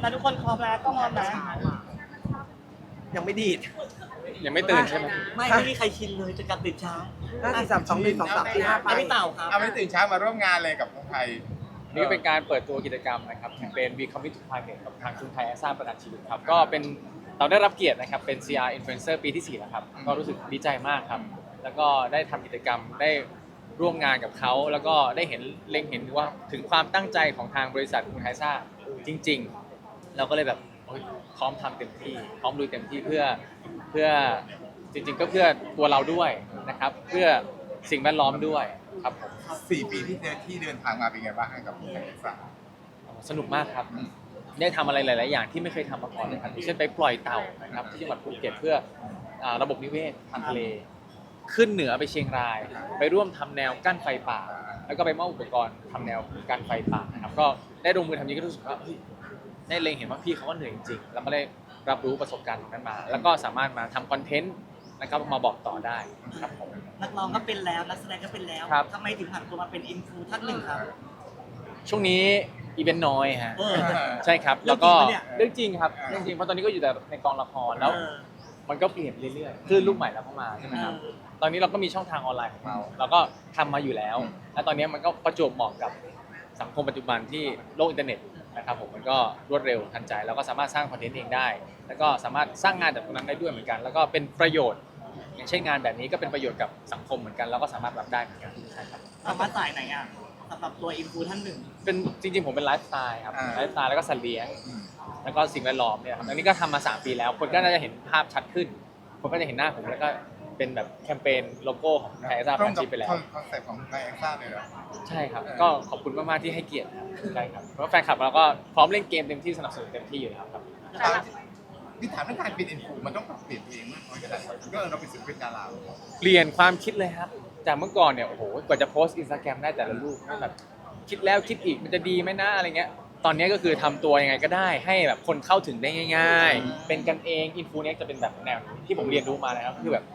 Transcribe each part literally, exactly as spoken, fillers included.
แต่ทุกคนพร้อมแล้วก็พร้อมนะยังไม่ดีดยังไม่ตื่นใช่ไหมไม่ไม่มีใครชินเลยจะกลับตื่นเช้าห้าสี่สามสองหนึ่งสองสามสี่ห้าไปแล้วพี่เต่าครับเอาไม่ตื่นเช้ามาร่วมงานเลยกับคนไทยนี่ก็เป็นการเปิดตัวกิจกรรมนะครับแคมเปญ We Commit to Climate กับทางชุนไทยแอสซ่าประกันชีวิตครับก็เป็นเราได้รับเกียรตินะครับเป็น ซี อาร์ Influencer ปีที่สี่แล้วครับก็รู้สึกดีใจมากครับแล้วก็ได้ทำกิจกรรมได้ร่วมงานกับเขาแล้วก็ได้เห็นเล็งเห็นว่าถึงความตั้งใจของทางบริษัทคุณไทยซ่าจริงๆ เราก็เลยแบบโอ๊ยพร้อมทำเต็มที่พร้อมลุยเต็มที่เพื่อเพื่อจริงๆ ก็เพื่อตัวเราด้วยนะครับเพื่อสิ่งแวดล้อมด้วยครับผมสี่ปีที่เดินที่เดินทางมาเป็นไงบ้างกับคนไทยสามสนุกมากครับ ได้ทำอะไรหลาย ๆ อย่างที่ไม่เคยทำมาก่อนเลยครับอย่างเช่นไปปล่อยเต่านะครับที่จังหวัดภูเก็ตเพื่ออ่าระบบนิเวศทางทะเล ขึ้นเหนือไปเชียงราย ไปร่วมทำแนวกั้นไฟป่า แล้วก็ไปมอบอุปกรณ์ทำแนวกั้นไฟป่านะครับก็ได้ลงมือทำนี้ก็รู้สึกว่าเฮ้ยได้เล็งเห็นว่าพี่เขาก็เหนื่อยจริง ๆ แล้วก็ได้รับรู้ประสบการณ์ตรงนั้นมา แล้วก็สามารถมาทำคอนเทนต์นะครับมาบอกต่อได้ครับผมนักร้องก็เป็นแล้วนักแสดงก็เป็นแล้วครับทำไมถึงผันตัวมาเป็นอินฟูท่านหนึ่งครับช่วงนี้อีเวนต์น้อยฮะเออใช่ครับเรื่แล้องวก็จริงปะเนี่ยเรื่องจริงครับเรื่องจริงเพราะตอนนี้ก็อยู่แต่ในกองละครแล้วเออมันก็เปลี่ยนเรื่อยๆคลื่นลูกใหม่แล้วเข้ามาใช่ไหมครับ ตอนนี้เราก็มีช่องทางออนไลน์ของเรา เราก็ทำมาอยู่แล้ว และตอนนี้มันก็ประจวบเหมาะกับสังคมปัจจุบันที่โลกอินเทอร์เน็ตนะครับผมมันก็รวดเร็วทันใจ แล้วก็สามารถสร้างคอนเทนต์เองได้ แล้วก็สามารถสร้างงานจากตรงนั้นได้ด้วยเหมือนกัน แล้วก็เป็นประโยชน์ อย่างเช่นงานแบบนี้ก็เป็นประโยชน์กับสังคมเหมือนกัน แล้วก็สามารถรับได้เหมือนกันใช่ครับสามารถสายไหนอ่ะสำหรับตัวอินฟูท่านหนึ่งเป็นจริงๆผมเป็นไลฟ์สไตล์ครับอ่าไลฟ์สไตล์แล้วก็สัตว์เลี้ยง แล้วก็สิ่งแวดล้อมเนี่ยครับอันนี้ก็ทำมาสามปีแล้ว คนก็น่าจะเห็นภาพชัดขึ้น คนก็จะเห็นหน้าผมแล้วก็เป็นแบบแคมเปญโลโก้ของไทยซ่าตพัรงนกับชีไปแล้วคอนเซ็ปต์ของไทยแอคซ่าเลยเหรอใช่ครับ ก็ขอบคุณมากๆที่ให้เกียรติครับใช่ครับเพราะแฟนคลับเราก็พร้อมเล่นเกมเต็มที่สนับสนุนเต็มที่อยู่แล้วครับพี่ถามเรื่องการเป็นอินฟูมันต้องปรับเปลี่ยนตัวเองมากน้อยขนาดไหนก็เราเป็นศิลปินดาราเปลี่ยนความคิดเลยครับ จากเมื่อก่อนเนี่ยโอ้โหกว่าจะโพสต์อินสตาแกรมได้แต่ละรูปแบบคิดแล้วคิดอีกมันจะดีไหมนะอะไรเงี้ย ตอนนี้ก็คือทำตัวยังไงก็ได้ให้แบบคนเข้าถึงได้ง่าย ๆ เป็นกันเองอินฟูเน็กจะเป็นแบบแนวที่ผมเรียนรู้มานะครับคือแบบ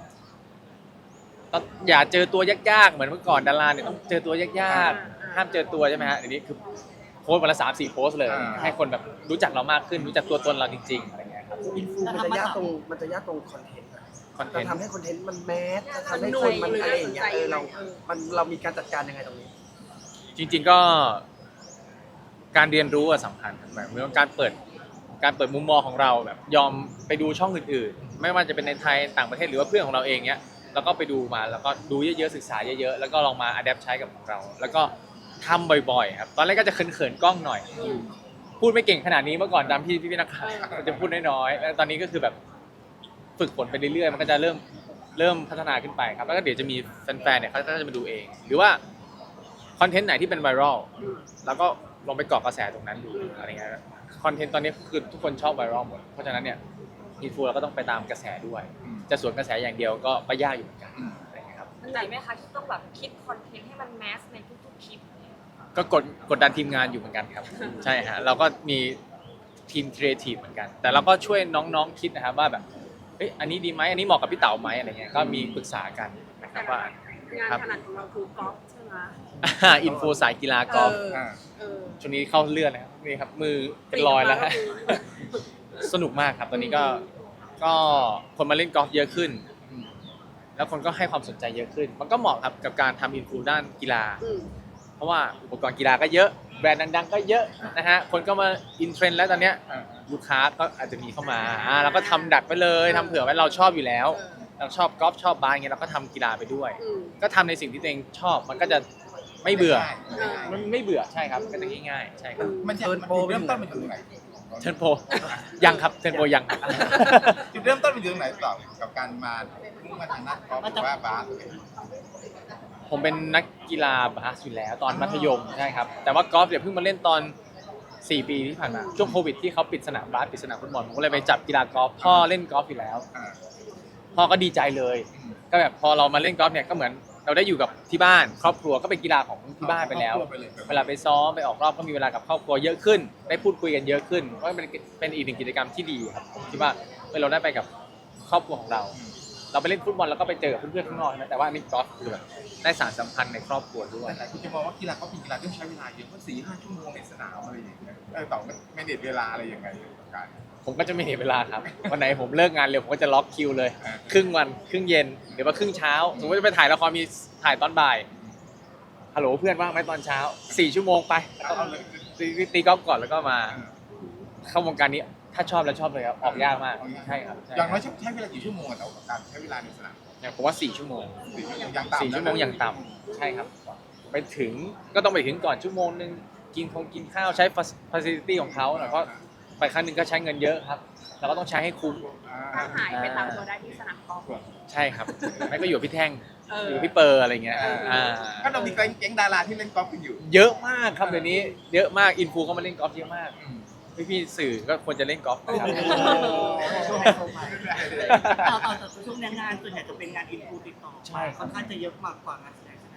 อย่าเจอตัวยากๆเหมือนเมื่อก่อนดาราเนี่ยต้องเจอตัวยากๆห้ามเจอตัวใช่ไหมฮะเดี๋ยวนี้คือโพสต์วันละสามสี่โพสต์เลย ให้คนแบบรู้จักเรามากขึ้นรู้จักตัวตนเราจริงๆอะไรเงี้ยครับอินฟูมันจะยากตรงมันจะยากตรงคอนเทนต์อะคอนเทจะนต์ทำให้คอนเทนต์มันแมสจะทำให้คนมันอะไรอย่างเงี้ยเออเรา มันเรามีการจัดการยังไงตรงนี้จริงๆก็การเรียนรู้อะสำคัญแบบเหมือนการเปิดการเปิดมุมมองของเราแบบยอมไปดูช่องอื่นๆ ไม่ว่าจะเป็นในไทยต่างประเทศหรือว่าเพื่อนของเราเองเนี้ยแล้วก็ไปดูมาแล้วก็ดูเยอะๆศึกษาเยอะๆแล้วก็ลองมาอัดแอปใช้กับของเรา แล้วก็ทำบ่อยๆครับตอนแรกก็จะเขินๆกล้องหน่อย พูดไม่เก่งขนาดนี้เมื่อก่อนตามพี่พี่นักข่าวมันจะพูดน้อยๆแล้วตอนนี้ก็คือแบบฝึกฝนไปเรื่อยๆมันก็จะเริ่มเริ่มพัฒนาขึ้นไปครับแล้วก็เดี๋ยวจะมีแฟนๆเนี่ยเขาก็จะมาดูเอง หรือว่าคอนเทนต์ไหนที่เป็นไวรัลแล้วก็ลองไปเกาะกระแสตรงนั้นดูอะไรเงี้ยคอนเทนต์ตอนนี้คือทุกคนชอบไวรัลหมดเพราะฉะนั้นเนี่ยอินฟูเราก็ต้องไปตามกระแสด้วย จะสวนกระแสอย่างเดียวก็ก็ยากอยู่เหมือนกันอะไรเงี้ยครับเหนื่อยไหมคะที่ต้องแบบคิดคอนเทนต์ให้มันแมสในทุกๆคลิปเนี่ยก็กดกดดันทีมงานอยู่เหมือนกันครับ ใช่ฮะเราก็มีทีมครีเอทีฟเหมือนกัน แต่เราก็ช่วยน้องๆคิดนะครับว่าแบบเอ้ยอันนี้ดีไหมอันนี้เหมาะกับพี่เต๋าไหมอะไรเงี้ยก็มีปรึกษากันนะครับว่างานครับถนัดของเราคือกอล์ฟใช่ไหมอินฟูสายกีฬากอล์ฟเอออ่าเออช่วงนี้เข้าเลือดนะครับนี่ครับมือเป็นรอยแล้วฮะ สนุกมากครับตอนนี้ก็ก็คนมาเล่นกอล์ฟเยอะขึ้น แล้วคนก็ให้ความสนใจเยอะขึ้น มันก็เหมาะครับกับการทำอินฟูด้านกีฬาอืมเพราะว่าอุปกรณ์กีฬาก็เยอะแบรนด์ดังๆก็เยอะนะฮะคนก็มาอินเทรนด์แล้วตอนเนี้ยอ่าลูกค้าก็อาจจะมีเข้ามาอ่าเราก็ทำดักไปเลยทำเผื่อไว้เราชอบอยู่แล้ว เราชอบกอล์ฟชอบบาสเงี้ยเราก็ทำกีฬาไปด้วยอืมก็ทำในสิ่งที่ตัวเองชอบมันก็จะไม่เบื่อเออมันไม่เบื่อใช่ครับมันก็จะง่ายๆใช่ครับมันจะเทิร์นโปรเริ่มต้นมันอยู่ตรงไหนเทนโปยังครับเทนโปยังจุดเริ่มต้นมันอยู่ตรงไหนต่อกับการมามุ่งมาทางด้านกอล์ฟหรือว่าบาสผมเป็นนักกีฬาบาสอยู่แล้วตอนมัธยมใช่ครับแต่ว่ากอล์ฟเดี๋ยวเพิ่งมาเล่นตอนสี่ปีที่ผ่านมาช่วงโควิดที่เขาปิดสนามบาสปิดสนามฟุตบอลผมก็เลยไปจับกีฬากอล์ฟพ่อเล่นกอล์ฟอยู่แล้วอ่าพ่อก็ดีใจเลย ก็แบบพอเรามาเล่นกอล์ฟเนี่ยก็เหมือนเราได้อยู่กับที่บ้าน ครอบครัวก็เป็นกีฬาของที่บ้านไปแล้ว เวลาไปซ้อมไปออกรอบก็มีเวลากับครอบครัวเยอะขึ้น ได้พูดคุยกันเยอะขึ้นก็เป็นเป็นอีกหนึ่งกิจกรรมที่ดีครับผมคิดว่าเออเราได้ไปกับครอบครัวของเราเราไปเล่นฟุตบอลแล้วก็ไปเจอเพื่อนๆข้างนอกนะแต่ว่าอันนี้กอล์ฟคือแบบได้สานสัมพันธ์ในครอบครัวด้วยแต่หลายคนจะมองว่ากีฬาก็เป็นกีฬาที่ต้องใช้เวลาเยอะเพราะสี่ห้าชั่วโมงในสนามอะไรอย่างเงี้ยเออต่อไม่เด็ดเวลาอะไรยังไงกับการผมก็จะไม่เห็นเวลาครับวันไหนผมเลิกงานเร็วผมก็จะล็อกคิวเลยอ่าครึ่งวันครึ่งเย็นหรือว่าครึ่งเช้าสมมติจะไปถ่ายละครมีถ่ายตอนบ่ายฮัลโหลเพื่อนว่างไหมตอนเช้าสี่ชั่วโมงไปแล้วก็เอาเลยตีตีกอล์ฟก่อนแล้วก็มาเข้าวงการนี้ถ้าชอบแล้วชอบเลยครับออกยากมากใช่ครับใช่อย่างน้อยใช้เวลากี่ชั่วโมงอะต่อการใช้เวลาในสนามอย่างผมว่าสี่ชั่วโมงสี่ชั่วโมงอย่างต่ำสี่ชั่วโมงอย่างต่ำใช่ครับ ไปถึงก็ต้องไปถึงก่อนชั่วโมงนึงกินคงกินข้าวใช้ฟ a ซิลิตี้ของเขาเพราะไปครั้งหนึงก็ใช้เงินเยอะครับเราก็ต้องใช้ให้คุ้มถ้าหายไปตามตัวได้ที่สนามกอล์ฟใช่ครับไม่ก็อยู่กับพี่แท่งเอออยู่กับพี่เปอร์อะไรเงี้ยอ่าก็เรามีแก๊งดาราที่เล่นกอล์ฟกันอยู่เยอะมากครับเดี๋ยวนี้เยอะมากอินฟูก็มาเล่นกอล์ฟเยอะมากพี่พี่ๆสื่อก็ควรจะเล่นกอล์ฟนะครับช่วงไฮโซไปเอาเอาแต่ช่วงนี้งานส่วนใหญ่จะเป็นงานอินฟูติดต่อใช่ครับค่อนข้างจะเยอะมากกว่างานแสดงใช่ไหม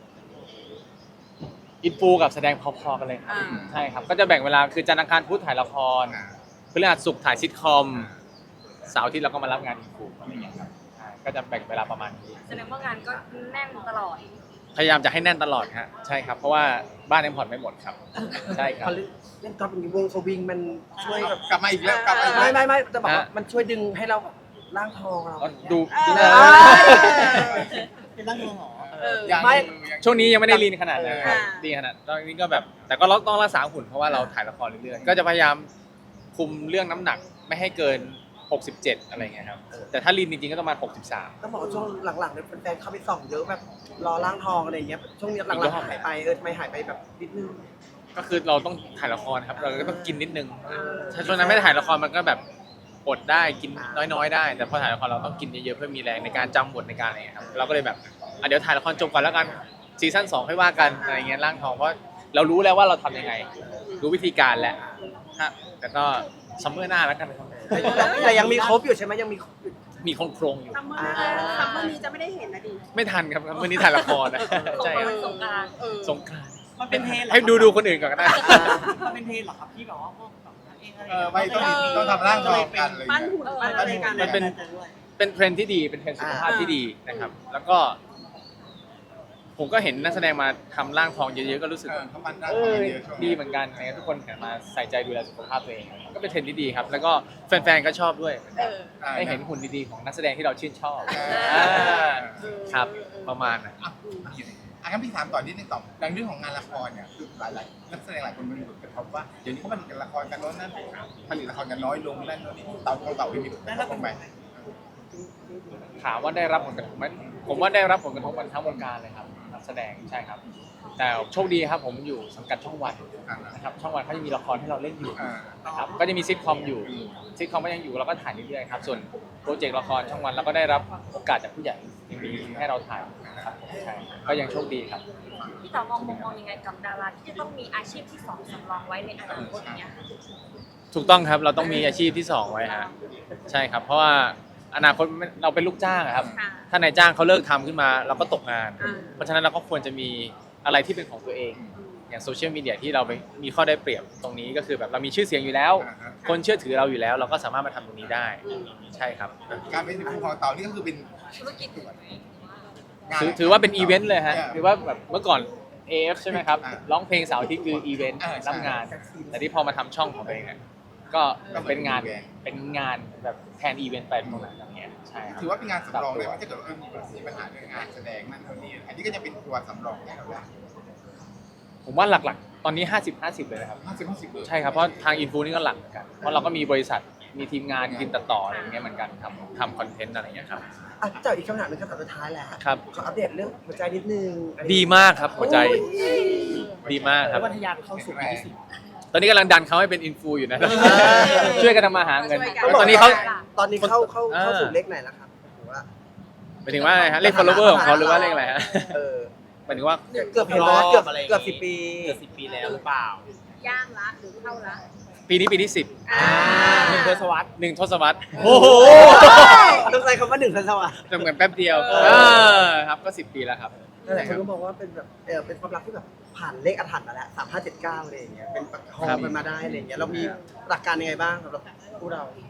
อินฟูกับแสดงพอๆกันเลยครับใช่ครับก็จะแบ่งเวลาคือจันทร์อังคารพุธถ่ายละครพฤหัสศุกร์ถ่ายซิทคอมเสาร์อาทิตย์เราก็มารับงานอินฟูอะไรอย่างเงี้ยครับใช่ก็จะแบ่งเวลาประมาณนี้แสดงว่างานก็แน่นตลอดพยายามจะให้แน่นตลอดฮะใช่ครับเพราะว่าบ้านยังผ่อนไม่หมดครับใช่คพรัอบ เล่นเล่นกอล์ฟอย่างนี้วงสวิงมันช่วยแบบกลับมาอีกแล้วกลับมาอีกไม่แล้วไม่ไม่จะบอกว่ามันช่วยดึงให้เราร่างทองเราก็ดูเอดูอเป็นร่างทรงเหรอเออยังไม่ยังช่วงนี้ยังไม่ได้ลีนขนาดนั้นครับอ่าดีขนาดตอนนี้ก็แบบ แต่ก็ต้องรักษาหุ่นเพราะว่าเราถ่ายละครเรื่อยๆก็จะพยายามคุมเรื่องน้ำหนักไม่ให้เกินหกสิบเจ็ดอะไรเงี้ยครับแต่ถ้าลีนจริงๆก็ต้องมาหกสิบสามต้องบอกว่าช่วงหลังๆเนี่ยแฟนๆเข้าไปส่องเยอะแบบรอร่างทองอะไรอย่างเงี้ยช่วงนี้หลังๆหายไปเออทำไมหายไปแบบนิดนึงก็คือเราต้องถ่ายละครครับเราก็ต้องกินนิดนึงถ้าช่วงนั้นไม่ได้ถ่ายละครมันก็แบบอดได้กินน้อยๆได้ แต่พอถ่ายละครเราต้องกินเยอะๆเพื่อมีแรงในการจำบทในการอะไรอย่างเงี้ยครับเราก็เลยแบบอ่ะเดี๋ยวถ่ายละครจบก่อนแล้วกันซีซั่นสองค่อยว่ากันอะไรเงี้ยร่างทองเพราะเรารู้แล้วว่าเราทำยังไงรู้วิธีการแหละฮะแต่ก็ซัมเมอร์หน้าแล้วกันครับแต่ยังมีครบอยู่ใช่ไหมยังมีครบอยู่มีโครงๆอยู่ซัมเมอร์ซัมเมอร์นี้จะไม่ได้เห็นนะดิไม่ทันครับวันนี้ถ่ายละครนะสงใช่กครารับนต์สงกรานต์สงกรานต์มันเป็นเทรนเหรอให้ดูดูคนอื่นก่อนก็ได้มันเป็นเทรนเหรอครับที่แบบว่าพวกแบบนักเองอะไรเออไม่ต้องต้องทำร่างทองกันอะไรอย่างปั้นเงี้ยหุ่นปั้นอะไรกันมันเป็น เป็นเทรนด์ที่ดีเป็นเทรนด์สุขภาพที่ดีนะครับ แล้วก็ ผมก็เห็นนักแสดงมาทำร่างทองเยอะๆก็รู้สึกเออว่าเขาปั้นร่างเอทองอเยอะๆช่วงดีนี้เหมือนกันนะครับทุกคนหันมาใส่ใจดูแลสุขภาพตัวเอง ก็เป็นเทรนด์ที่ดีครับ แล้วก็แฟนๆก็ชอบด้วยเออได้เห็นหุ่นดีๆของนักแสดงที่เราชื่นชอบเอออ่าครับประมาณนั้นอ่ะอ่ะงั้นพี่ถามต่อนิดนึงต่อในเรื่องของงานละครเนี่ยคือหลายๆนักแสดงหลายคนมันกระทบว่าเดี๋ยวนี้เขาผลิตละครกันน้อยนั่นผลิตละครกันน้อยลงนั่นโน่นนี่เต่าของเต่าไม่มีผลกระทบบ้างไหมถามว่าได้รับผลกระทบไหมผมว่าได้รับผลกระทบกันทั้งวงการเลยครับนักแสดงใช่ครับ แต่โชคดีครับผมอยู่สังกัดช่องวันนะครับช่องวันเขาจะมีละครให้เราเล่นอยู่อ่านะครับก็จะมีซิทคอมอยู่ซิทคอมก็ยังอยู่เราก็ถ่ายเรื่อยๆครับส่วนโปรเจกต์ละครช่องวันเราก็ได้รับโอกาสจากผู้ใหญ่ยังมีให้เราถ่ายนะครับใช่ก็ยังโชคดีครับพี่ต่อมองมุมมองยังไงกับดาราที่จะต้องมีอาชีพที่สองสำรองไว้ในอนาคตอย่างเงี้ยค่ะถูกต้องครับเราต้องมีอาชีพที่สองไว้ฮะใช่ครับ เพราะว่าอนาคตเราเป็นลูกจ้างอะครับค่ะถ้านายจ้างเขาเลิกทำขึ้นมาเราก็ตกงานอ่าเพราะฉะนั้นเราก็ควรจะมีอะไรที่เป็นของตัวเอง อย่างโซเชียลมีเดียที่เราไปมีข้อได้เปรียบตรงนี้ก็คือแบบเรามีชื่อเสียงอยู่แล้วอ่าฮะคนเชื่อถือเราอยู่แล้ว เราก็สามารถมาทำตรงนี้ได้ ใช่ครับการเป็นผู้ของเต่านี่ก็คือเป็นธุรกิจงานถือถือว่าเป็นอีเวนต์เลยฮะออถือว่าแบบเมื่อก่อน เอ เอฟ ใช่ไหมครับอ่าร้องเพลงเสาร์อาที่คืออีเวนต์อ่าใช่รับงาน แต่ที่พอมาทำช่องของตัวเองเนี่ยก็เป็นงานเป็นงานแบบแทนอีเวนต์ไปตรงนั้นอย่างเงี้ยใช่ครับถือว่าเป็นงานสำรองเลยว่าถ้าเกิดว่ามีปัญหาเรื่องงานแสดงนั่นเท่านี้อันนี้ก็จะเป็นตัวสำรองให้เราได้ผมว่าหลักๆ ตอนนี้ ห้าสิบ ห้าสิบ เลยนะครับห้าสิบห้าสิบเลยใช่ครับ เพราะทางอินฟูนี่ก็หลักเหมือนกัน เพราะเราก็มีบริษัท มีทีมงานทีมตัดต่ออะไรอย่างเงี้ยเหมือนกันทำทำคอนเทนต์อะไรอย่างเงี้ยครับอ่ะเจ้าอีกคำถามหนึงคำถามสุดท้ายแหละครับขออัปเดตเรื่องหัวใจนิดนึงอันนี้ดีมากครับหัวใจโอ้ยดีมากครับวัทยานเข้าสู่ปีที่สิบตอนนี้กำลังดันเขาให้เป็นอินฟูอยู่นะ ช่วยกันทำมาหาเงินต้องบกตอนนี้เขาตอนนี้เข้าเข้าเข้าอ่าสู่เลขไหนแล้วครับถือว่าหมายถึงว่าอะไรฮะ เลข follower ของเขาหรือว่าเลขอะไรฮะเออหมายถึงว่าเกือบเห็นแล้วเกือบเกือบสิบปีเกือบสิบปีแล้วหรือเปล่าย่างละหรือเข้าละปีนี้ปีที่สิบอ่าหนึ่งทศวรรษหนึ่งทศวรรษโอ้โหต้องใช้คำว่าหนึ่งทันสวัสดิ์จะเหมือนแป๊บเดียวเออเออครับก็สิบปีแล้วครับนั่นแหละคนก็มองว่าเป็นแบบเออเป็นความรักที่แบบผ่านเลขอาถรรพ์มาแล้วสามห้าเจ็ดเก้าอะไรอย่างเงี้ยเป็นประคองครับมันมาได้อะไรอย่างเงี้ยเรามีหลักการยังไงบ้างสำหรับผู้เรา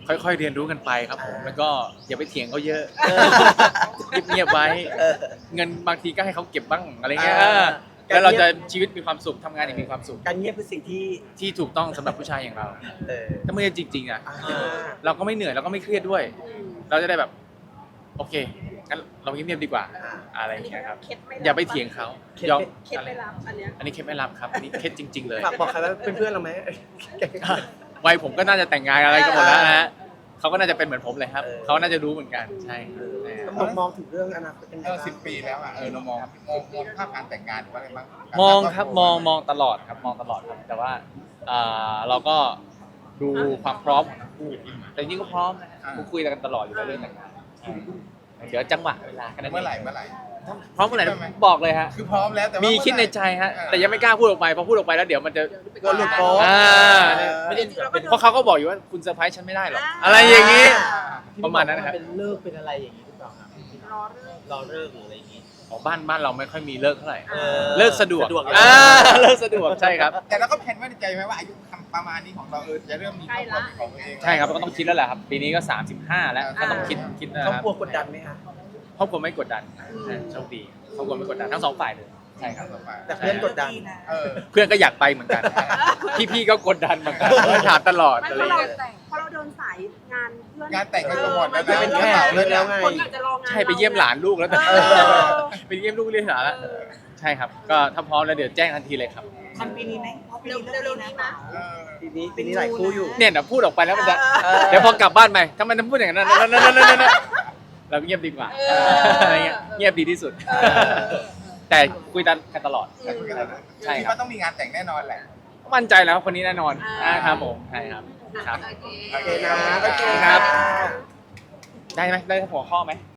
ค่อยๆเรียนรู้กันไปครับผมแล้วก็อย่าไปเถียงเขาเยอะเงียบๆไว้เออเงินบางทีก็ให้เขาเก็บบ้างอะไรเงี้ยอ่าแล้วเราจะชีวิตมีความสุขทำงานอย่างมีความสุขการเงียบเป็นสิ่งที่ที่ถูกต้องสำหรับผู้ชายอย่างเราเออถ้าไม่ใช่จริงๆอ่ะอ่าเราก็ไม่เหนื่อยเราก็ไม่เครียดด้วย เราจะได้แบบ โอเคงั้นเราเงียบๆดีกว่า อะไรอย่างเงี้ยครับเคล็ดม่รับอย่าไปเถียงเขาเคล็ดยอมเคล็ดไม่รับอันเนี้ยอันนี้เคล็ดไม่รับครับอันนี้เคล็ดจริง ๆ เลยฝากบอกใครว่าเป็นเพื่อนเราไหมวัยผมก็น่าจะแต่งงานอะไรกันหมดแล้วนะฮะเขาก็น่าจะเป็นเหมือนผมเลยครับเออเขาน่าจะรู้เหมือนกันใช่ใช่มองมองถึงเรื่องอนาคตเป็นไงเออบ้างสิบปีแล้วอ่ะเออเรามองมองมองภาพการแต่งงานหรือว่าอะไรบ้างมองครับมองมองตลอดครับมองตลอดครับแต่ว่าอ่าเราก็ดูความพร้อมของทั้งคู่แต่จริงๆก็พร้อมนะฮะคุยกันตลอดอยู่แล้วเรื่องแต่งงานใช่เดี๋ยวจังหวะเวลาแค่นั้นเมื่อไหร่งเมื่อไหร่พร้อมเมื่อไหร่บอกเลยฮะคือพร้อมแล้วแต่ว่ามีมีคิดในใจฮะแต่ยังไม่กล้าพูดออกไปพอพูดออกไปแล้วเดี๋ยวมันจะกลัวหลุดโป๊ะอ่าไม่ได้เพราะเขาก็บอกอยู่ว่าคุณเซอร์ไพรส์ฉันไม่ได้หรอกอะไรอย่างนี้ ประมาณนั้นนะครับเป็นเลิกเป็นอะไรอย่างนี้หรือเปล่าครับรอเรื่องรอเลิกหรืออะไรอย่างนี้ของบ้านบ้านเราไม่ค่อยมีเลิกเท่าไหร่เออเลิกสะดวกสะดวกอ่าเลิกสะดวกใช่ครับแต่เราก็แผนไว้ในใจไหมว่าอายุประมาณนี้ของเราเออจะเริ่มมีครอบครัวเป็นของตัวเองใช่ครับก็ต้องคิดแล้วแหละครับ ปีนี้ก็สามสิบห้าแล้วก็ต้องคิดคิดนะครอบครับครัวกดดันไหมคะครอบครัวไม่กดดันใช่โชคดีครอบครัวไม่กดดันทั้งสองฝ่ายเลยใช่ครับแต่เพื่อนกดดันเออเพื่อนก็อยากไปเหมือนกัน พี่ๆก็กดดันเหมือนกันถามตลอดไม่อะไรเพราะอย่างเราเงี้ยเพราะเราเดินสายงานเพื่อนงานแต่งกันไปหมดแล้วไม่เป็นแขกเลยแล้วไงคนอยากจะรองานใช่ไปเยี่ยมหลานลูกแล้วแต่เออไปเยี่ยมลูกเรียนหลานแล้วใช่ครับ ก็ถ้าพร้อมแล้วเดี๋ยวแจ้งทันทีเลยครับทันปีนี้ไหมเพราะปีนี้เร็วๆนี้นะเออปีนี้ปีนี้หลายคู่อยู่เนี่ยเดี๋ยวพูดออกไปแล้วมันจะเออเดี๋ยวพอกลับบ้านไปทำไมต้องพูดอย่างนั้นนั่นนั่นนั่นนั่นเราเงียบดีกว่าอะไรเงี้ยเงียบดีที่สุด แต่คุยกันตลอดแต่คุยกันแล้วนะใช่ครับคิดว่าต้องมีงานแต่งแน่นอนแหละมั่นใจแล้วคนนี้แน่นอนนะครับผมใช่ครับครับโอเคนะโอเคครับค่ะได้ไหมได้หัวข้อไหม